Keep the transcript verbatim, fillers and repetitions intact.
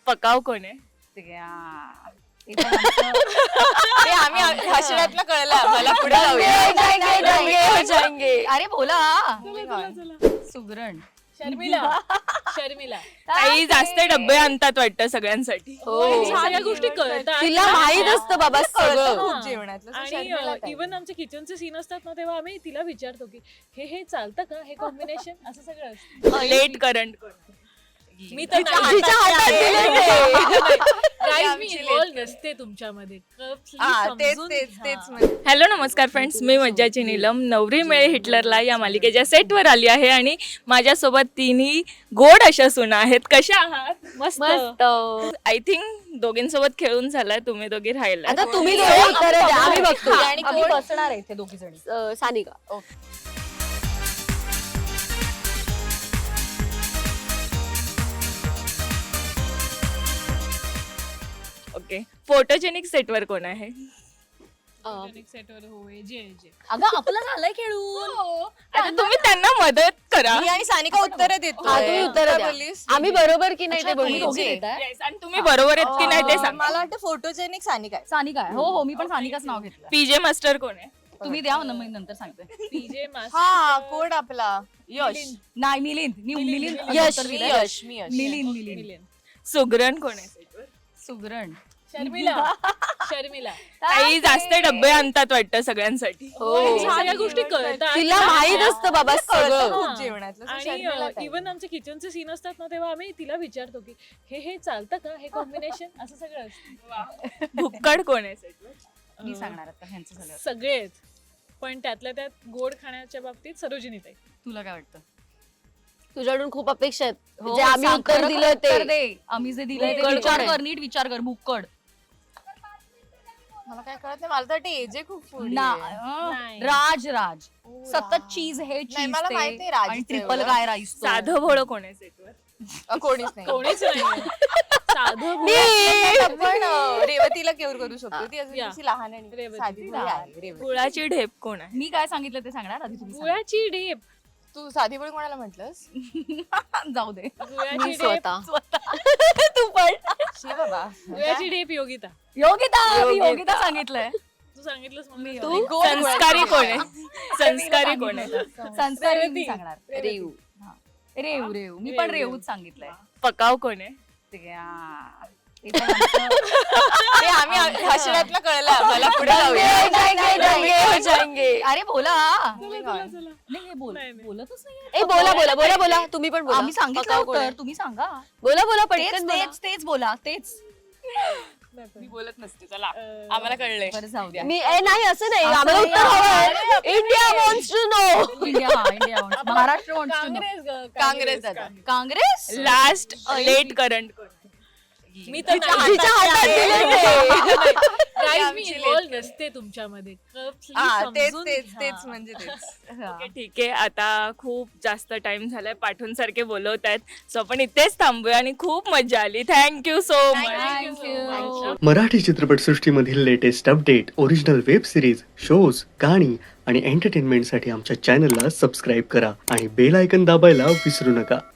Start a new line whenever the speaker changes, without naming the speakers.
पकाव कोण आहे?
ते आम्ही हसण्यातलं कळलं आम्हाला. पुढे जाऊया.
अरे बोला.
सुगरण.
शर्मिला शर्मिला
काही जास्त डब्बे आणतात वाटतं सगळ्यांसाठी.
सगळ्या गोष्टी कळतात
तिला माहित असतं बाबा सगळं.
खूप जेवणातलं. So शर्मिला
आणि
काय?
इव्हन आमचे किचनचे सीन असतात ना तेव्हा आम्ही तिला विचारतो की हे हे चालतं का, हे कॉम्बिनेशन असं सगळं असतं.
लेट करंट कोण?
मी तर
तिच्या हातात दिलं ते.
Guys, मी इन्व्हॉल्व नसते तुमच्यामध्ये. Please
हा, तेच
समजून
तेच
घ्या.
तेच म्हणजे.
हॅलो नमस्कार फ्रेंड्स, मी मज्जाची नीलम नवरी मिळे हिटलरला या मालिकेच्या सेटवर आली आहे आणि माझ्यासोबत तिन्ही गोड अशा सुना आहेत. कशा आहात?
मस्त
मस्त.
आय थिंक दोघींसोबत खेळून झालाय, तुम्ही दोघी राहिला.
आता तुम्ही दोघे उत्तर द्या, आम्ही बघतो.
आणि
आम्ही
कोण?
बसणार आहे इथे दोघी जणी. सानिका.
ओके, फोटोजेनिक सेटवर कोण आहे?
सेटवर होय जे जे
अगं आपलं झालंय खेळून.
आता तुम्ही त्यांना मदत करा.
मी आणि सानिका उत्तर देतो.
हा, तुम्ही उत्तरं द्या. आम्ही बरोबर की नाही ते
अच्छा,
बघू.
तुम्ही दोघी
Yes, आणि तुम्ही बरोबर आहेत की नाही ते सांगा.
मला वाटतं फोटोजेनिक सानिका आहे.
सानिका आहे. हो हो मी पण सानिकाच नाव घेतलं.
पीजे मास्टर कोण आहे?
तुम्ही द्या ना, मी नंतर सांगते.
पीजे
हा कोण आपला यश.
नाही मिलिंद. मी मिलिंद
यश
उत्तर
मी
दिलंय.
यश मी यश.
मिलिंद मिलिंद.
सुगरण कोण आहे सेटवर?
सुगरण.
शर्मिला शर्मिला
काही जास्त डब्बे आणतात वाटतं सगळ्यांसाठी.
सगळ्या गोष्टी कळतात
तिला माहित असतं बाबा सगळं.
खूप जेवणातलं. So शर्मिला
आणि
काय?
इव्हन आमचे किचनचे सीन असतात ना तेव्हा आम्ही तिला विचारतो की हे हे चालतं का, हे कॉम्बिनेशन असं सगळं असतं.
भुक्कड कोण आहे सेटवर?
मी सांगणार आता ह्यांचं झालं.
सगळेच, पण त्यातल्या त्यात गोड खाण्याच्या बाबतीत सरोजिनी ताई.
तुला काय वाटतं?
तुझ्याकडून खूप अपेक्षा आहेत
हो,
जे आम्ही
सांग,
उत्तर
खरं
दिलं
उत्तर
ते
दे. आम्ही जे दिलंय ते
भुक्कड
विचार
कोण
कर,
आहे?
नीट विचार कर. भुक्कड
मला काय कळत नाही. मला तर वाटतं एजे खूप पुढे
ना
आहे.
अं,
नाही.
राज राज
ओ,
सतत
राज.
चीज हे
नाही,
चीज
मला माहिती आहे राजचं
आणि ट्रिपल
एवढं.
काय राईस तो.
साधं भोळं कोण आहे सेटवर?
अ, कोणीच नाही.
कोणीच नाही साधं
आपण अ, रेवतीला केवर करू शकतो. ती अजून
या.
थोडीशी लहान आणि
रेवती.
साधी भोळी आहे. रेवती.
गुळाची ढेप कोण आहे?
मी काय सांगितलं ते सांगणार आधी तुम्ही सांगा.
गुळाची ढेप.
तू साधी भोळी कोणाला म्हटलंस?
जाऊ दे.
गुळाची
मी
ढेप.
स्वतः
तू पण
शी बाबा.
गुळाची ढेप योगिता.
योगिता मी योगिता सांगितलंय.
तू सांगितलंस म्हणून मी
तू?
योगिता.
गोड
संस्कारी
गोड.
कोण आहे? संस्कारी कोण आहे?
संस्कारी मी सांगणार.
रेऊ
हा. रेऊ रेऊ मी पण रेऊच सांगितलंय.
पकाव कोण आहे?
ते, आ, ते पण आमचं-
ते आम्ही हसण्यातलं कळलं आम्हाला. पुढे जाऊया.
अरे बोला.
चला, चला.
नाही हे बोल
नाही, नाही.
बोलतच नाही.
ए बोला बोला बोला बोला तुम्ही पण बोला
आम्ही सांगितलं
पकाव कोण
उत्तर
आहे?
तुम्ही सांगा.
बोला बोला
तेच
पटकन बोला.
तेच तेच बोला तेच.
मी बोलत नसते. चला
अं,
आम्हाला कळलंय.
बरं जाऊ द्या.
मी ए नाही असं नाही
असं
आम्हाला
नाही,
उत्तर
आम्हाला-
हवंय. India wants to know.
India हा India wants- Maharashtra wants to know.
Congress ग,
काँग्रेस दादा.
काँग्रेस
लास्ट लेट करंट कोण आहे?
मी तर
तिच्या हातात दिलं ते.
Guys, मी
आमची
इन्व्हॉल्व नसते तुमच्यामध्ये. Please
हा तेच
समजून
तेच
घ्या.
तेच म्हणजे तेच.
ओके, ठीक आहे. आता खूप जास्त टाइम झालाय, पाठवून सारखे बोलवत आहेत, सो आपण इथेच थांबूया आणि खूप मजा आली. Thank you so much.
Thank you.
Marathi चित्रपटसृष्टीमधील latest update, original web series, shows, गाणी आणि एंटरटेनमेंटसाठी आमच्या चॅनलला सबस्क्राईब करा आणि बेल आयकन दाबायला विसरू नका.